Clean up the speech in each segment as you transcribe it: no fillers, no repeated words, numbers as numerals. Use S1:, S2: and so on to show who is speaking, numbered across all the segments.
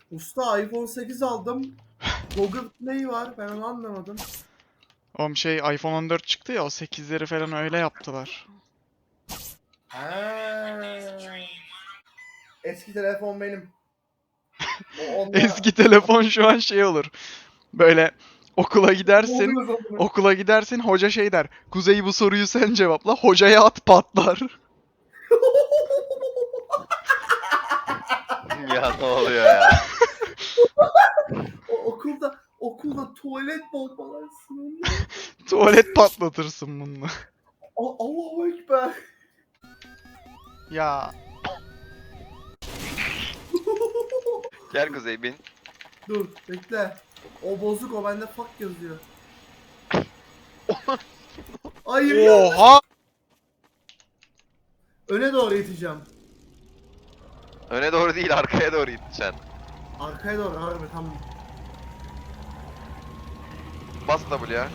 S1: Usta iPhone 8 aldım. Google Play var. Ben onu anlamadım.
S2: Oğlum iPhone 14 çıktı ya, o 8'leri falan öyle yaptılar.
S1: Eski telefon benim. Onunla
S2: Eski telefon şu an olur. Böyle okula gidersin.
S1: oluyor zaten.
S2: Okula gidersin, hoca der. Kuzey, bu soruyu sen cevapla. Hocaya at, patlar.
S3: Ya ne oluyor ya?
S1: Okulda tuvalet bombalarsın.
S2: Tuvalet patlatırsın bununla.
S1: Allahu Ekber.
S2: Ya
S3: Gel Kuzey bin.
S1: Dur bekle. O bozuk, o bende fuck yazıyor. Hayır ya.
S2: oha!
S1: Öne doğru iteceğim.
S3: Öne doğru değil, arkaya doğru gideceksin.
S1: Arkaya doğru harbi tamam.
S3: Bas W'ya.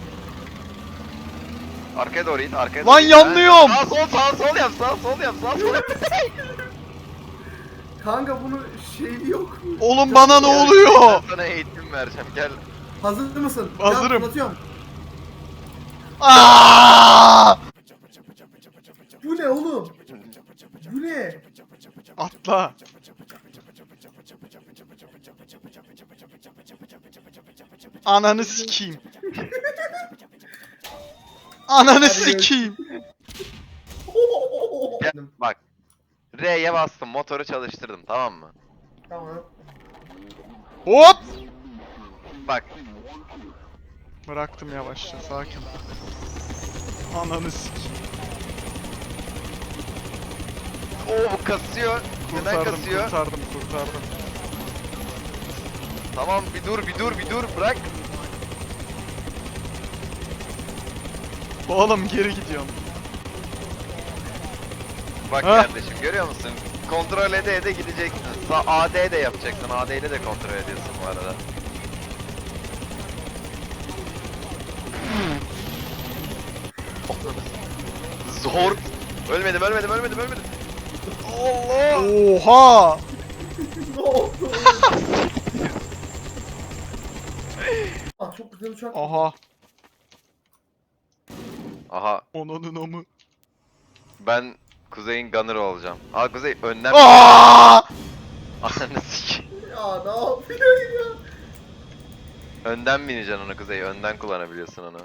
S3: Arkaya doğru it, arkaya
S2: Lan
S3: doğru it.
S2: yanlıyorum!
S3: Sağ sol yap, sağ sol yap, sağ sol yap.
S1: Kanka bunu şeyli yok mu?
S2: Oğlum bana ne oluyor?
S3: Ben sana eğitim vereceğim, gel.
S1: Hazır mısın?
S2: Hazırım.
S1: Ya, fırlatıyorum.
S2: Aa!
S1: Bu ne oğlum? Bu ne?
S2: Atla. Ananı sikeyim. Ananı sikeyim.
S3: Gel, bak. R'ye bastım, motoru çalıştırdım, tamam mı?
S1: Tamam.
S2: Hop!
S3: Bak,
S2: Bıraktım yavaşça, sakin. Ananı sikeyim.
S3: o kasıyor. Neden
S2: Kurtardım,
S3: kasıyor?
S2: kurtardım.
S3: Tamam, bir dur, bırak.
S2: Oğlum geri gidiyorum.
S3: Bak
S2: Ha?
S3: kardeşim, görüyor musun? Kontrol ede gideceksin. AD de yapacaksın, AD ile de kontrol ediyorsun bu arada. Zor. Ölmedim. Allah!
S2: Oha!
S1: Ne oldu? Ah çok güzel uçak.
S2: Aha.
S3: Aha,
S2: Onunun amı.
S3: ben Kuzey'in gunner'ı olacağım. Aa Kuzey önden...
S2: Aa!
S3: Ananı sikeyim.
S1: Ya ne yapıyorsun ya?
S3: Önden bineceksin onu Kuzey, önden kullanabiliyorsun onu.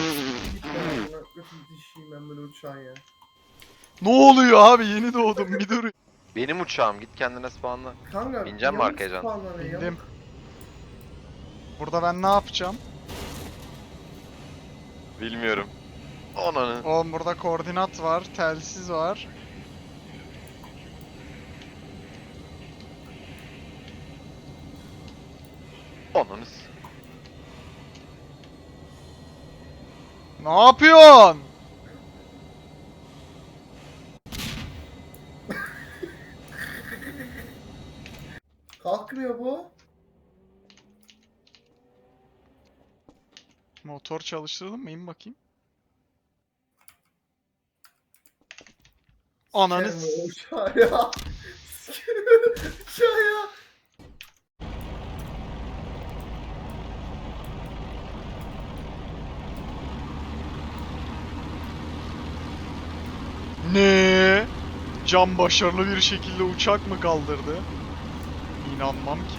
S1: Dişiyim ben böyle uçağın ya.
S2: Ne oluyor abi? Yeni doğdum, bir dur.
S3: Benim uçağım, git kendine spawnla.
S1: Kanka.
S3: Bineceğim mi
S1: yamuk
S3: arkaya Can?
S1: spawnlanıyor, yamuk.
S2: Bindim. Burada ben ne yapacağım?
S3: Bilmiyorum. Ananı.
S2: Oğlum burada koordinat var, telsiz var.
S3: Ananı.
S2: Ne yapıyorsun?
S1: Kalkmıyor bu.
S2: Motor çalıştırdım mı? İn bakayım. Ananı
S1: Sikerim o uçağı ya. Sikerim o uçağı ya.
S2: Ne? Can başarılı bir şekilde uçak mı kaldırdı? İnanmam ki.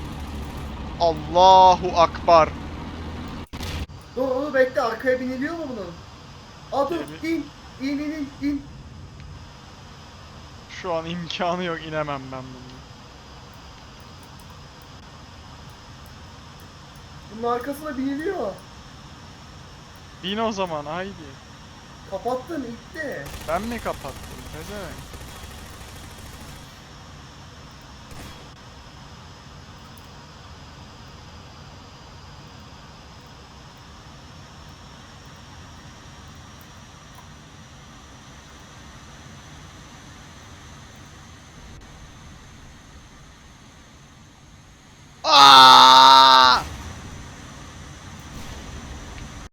S2: Allahu Akbar.
S1: Dur bekle, arkaya biniliyor mu bunun? Aa dur in.
S2: Şu an imkanı yok, inemem ben bunu.
S1: Bunun arkasına biniliyor.
S2: Bin o zaman, haydi.
S1: Kapattın itti.
S2: Ben mi kapattım? Pezevenk.